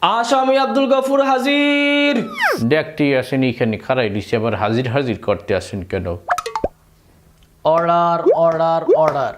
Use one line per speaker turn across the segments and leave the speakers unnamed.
আসামি আব্দুল গফুর হাজির।
দেখতে আসেন এখানে খারাই দিছে, আবার হাজির হাজির করতে আসেন কেন?
Order order order.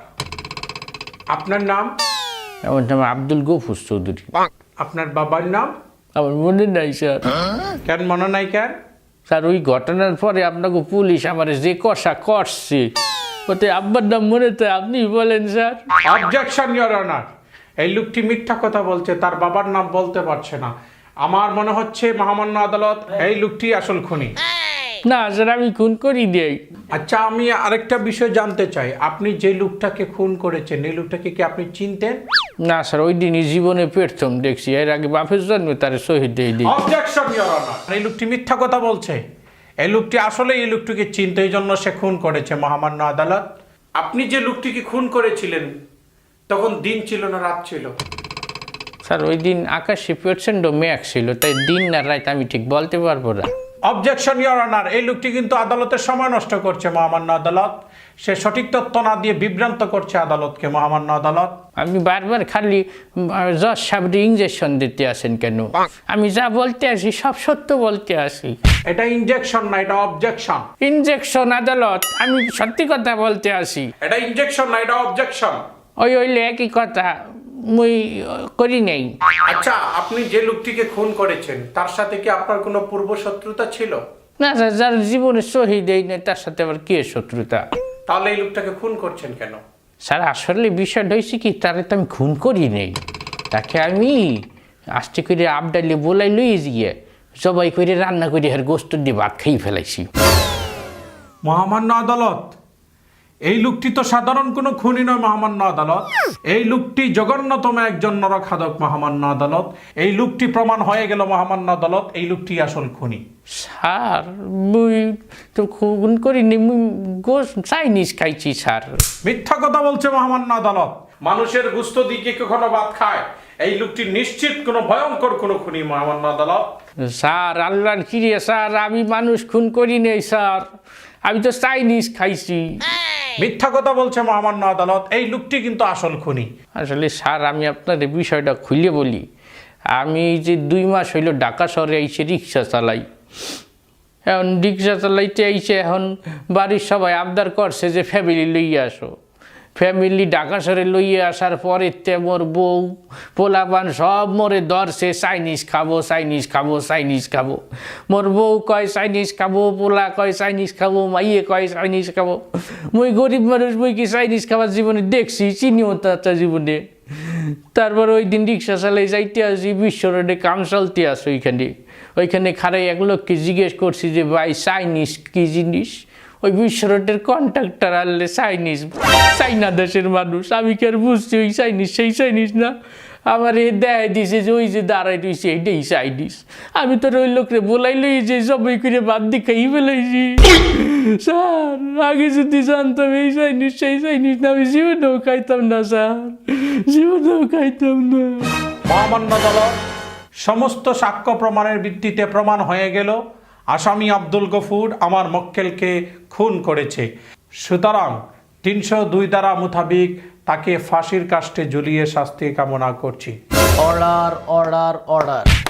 আপনার নাম?
আমার নাম আব্দুল গফুর চৌধুরী।
আপনার বাবার নাম?
আমার মনে নাই স্যার।
কেন মনে নাই কেন?
স্যার ওই ঘটনার পরে আপনাকে পুলিশ আমার যে কষা করছে ওতে আব্বার নাম মনে তো আপনি বলেন স্যার।
অবজেকশন ইওর অনার, এই লোকটি মিথ্যা কথা বলছে, তার বাবার নাম বলতে পারছে না। আমার মনে হচ্ছে মহামান্য আদালত এই লোকটি আসল খুনি।
না স্যার, আমি খুন করি দেই।
আচ্ছা, আমি আরেকটা বিষয় জানতে চাই, আপনি যে লোকটাকে খুন করেছেন এই লোকটাকে কি আপনি চিনতেন?
না স্যার, ওই দিনই জীবনে প্রথম দেখছি, এর আগে বাপের জন্মে তার শহীদ দিয়ে দিই।
অবজেকশন ইওর অনার, এই লোকটি মিথ্যা কথা বলছে। এই লোকটি আসলে এই লোকটিকে চিনতে, এই জন্য সে খুন করেছে। মহামান্য আদালত, আপনি যে লোকটিকে খুন করেছিলেন তখন দিন ছিল না রাত ছিল?
স্যার ওই দিন আকাশে প্রচণ্ড মেঘ ছিল, তাই দিন না রাত আমি ঠিক বলতে পারবো না।
অবজেকশন ইওর অনার, এই লোকটি কিন্তু আদালতের সময় নষ্ট করছে। মহামান্য আদালত, সে সঠিক তথ্য না দিয়ে বিভ্রান্ত করছে আদালতকে। মহামান্য আদালত,
আমি বারবার খালি জজ সাহেবরে ইঞ্জেকশন দিতে আসেন কেন? আমি যা বলতে আসি সব সত্য বলতে আসি।
এটা ইনজেকশন না, এটা অবজেকশন।
ইঞ্জেকশন আদালত, আমি সত্যি কথা বলতে আসি।
এটা ইনজেকশন না, এটা অবজেকশন।
ওই হইলে একই কথা, মুই করি নেই।
আচ্ছা, আপনি যে লোকটিকে খুন করেছেন তার সাথে কি আপনার কোনো পূর্ব শত্রুতা ছিল?
না স্যার, যার জীবনে শহীদ এই নেই তার সাথে আবার কে শত্রুতা?
তাহলে এই লোকটাকে খুন করছেন কেন?
স্যার আসলে বিষয়টা হয়েছে কি, তারে তো আমি খুন করি নেই, তাকে আমি আস্তে করে আবডালে বলাই লই গিয়ে সবাই করে রান্না করে আর গোস্ত দিয়ে ভাত খেয়ে ফেলাইছি।
মহামান্য আদালত, এই লোকটি তো সাধারণ কোনো খুনি নয়। মহামান্য আদালত, এই লোকটি জঘন্যতম একজন নরখাদক। মহামান্য আদালত, এই লোকটি প্রমাণ হয়ে গেল। মহামান্য আদালত, এই লোকটি আসল খুনি।
স্যার মুই তো খুন করিনি, মুই গোস্ত চাইনিজ খাইছি স্যার।
মিথ্যা কথা বলছে মহামান্য আদালত। মানুষের গুস্ত দিকে কখনো ভাত খায়, এই লোকটি নিশ্চিত কোনো ভয়ঙ্কর কোনো খুনি। মহামান্য আদালত,
স্যার আল্লাহর কিরে স্যার, আমি মানুষ খুন করি নেই স্যার, আমি তো চাইনিজ খাইছি।
মিথ্যা কথা বলছে মহামান্য আদালত, এই লোকটি কিন্তু আসল খুনি।
আসলে স্যার আমি আপনাদের বিষয়টা খুলে বলি, আমি এই যে 2 মাস হইল ঢাকা শহরে এসে রিক্সা চালাই। এখন রিক্সা চালাইতে আইসে এখন বাড়ির সবাই আবদার করছে যে ফ্যামিলি লইয়ে আসো। ফ্যামিলি ঢাকা শহরে লইয়ে আসার পরে মোর বউ পোলাপান সব মোরে ধরছে, চাইনিজ খাবো চাইনিজ খাবো চাইনিজ খাবো। মোর বউ কয় চাইনিজ খাবো, পোলা কয় চাইনিজ খাবো, মাইয়ে কয় চাইনিজ খাবো। মুই গরিব মানুষ, মুই কি চাইনিজ খাবার জীবনে দেখছি? চিনিও তা জীবনে। তারপর ওই দিন রিক্সা চালাই যাইতে আসি, বিশ্ব রোডে কাম চলতে আসো। ওইখানে খারাই এক লোককে জিজ্ঞেস করছি যে ভাই চাইনিজ কি জিনিস? ওই বিশ্ব রোডের কন্ট্রাক্টর আনলে চাইনিজ, চাইনা দেশের মানুষ, আমি কি আর বুঝছি ওই চাইনিজ সেই চাইনিজ না? আমার এ দেয় দিছে যে ওই যে দাঁড়াই রয়েছে এইটাই চাইনিজ। আমি তো ওই লোকরে বলাই লই যে সবাই করে বাদ দিয়ে খাই ফেলাইছি। স্যার আগে যদি জানতাম এই চাইনিজ সেই চাইনিজ না, আমি জীবনেও খাইতাম না স্যার, জীবনেও খাইতাম না।
মহামান্য আদালত, সমস্ত সাক্ষ্য প্রমাণের ভিত্তিতে প্রমাণ হয়ে গেল আসামি আব্দুল গফুর আমার মক্কেলকে খুন করেছে। সুতরাং 302 ধারা মোতাবেক তাকে ফাঁসির কাস্টে ঝুলিয়ে শাস্তি কামনা করছি।
Order order order.